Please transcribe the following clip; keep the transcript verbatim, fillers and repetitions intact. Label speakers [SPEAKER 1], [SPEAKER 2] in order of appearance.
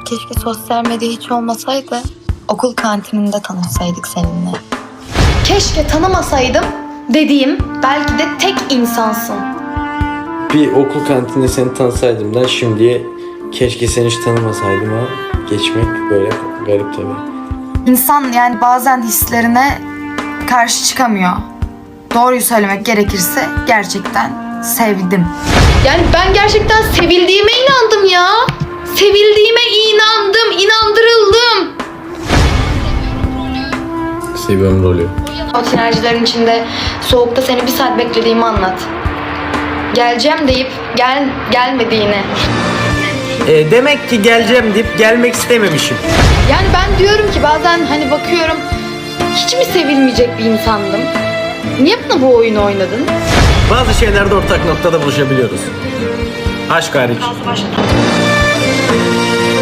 [SPEAKER 1] Keşke sosyal medya hiç olmasaydı. Okul kantininde tanışsaydık seninle.
[SPEAKER 2] Keşke tanımasaydım dediğim belki de tek insansın.
[SPEAKER 3] Bir okul kantininde seni tanısaydım da şimdiye keşke seni hiç tanımasaydım ha. Geçmek böyle garip tabii.
[SPEAKER 2] İnsan yani bazen hislerine karşı çıkamıyor. Doğruyu söylemek gerekirse gerçekten sevdim. Yani ben gerçekten sevildiğime inandım ya. Sevildiğime inandım, inandırıldım.
[SPEAKER 3] Seviyorum rolü.
[SPEAKER 2] O sinerjilerin içinde soğukta seni bir saat beklediğimi anlat. Geleceğim deyip gel gelmediğini.
[SPEAKER 4] E, demek ki geleceğim deyip gelmek istememişim.
[SPEAKER 2] Yani ben diyorum ki bazen hani bakıyorum hiç mi sevilmeyecek bir insandım? Niye bana bu oyunu oynadın?
[SPEAKER 4] Bazı şeylerde ortak noktada buluşabiliyoruz. Aşk hariç.
[SPEAKER 2] Başladım.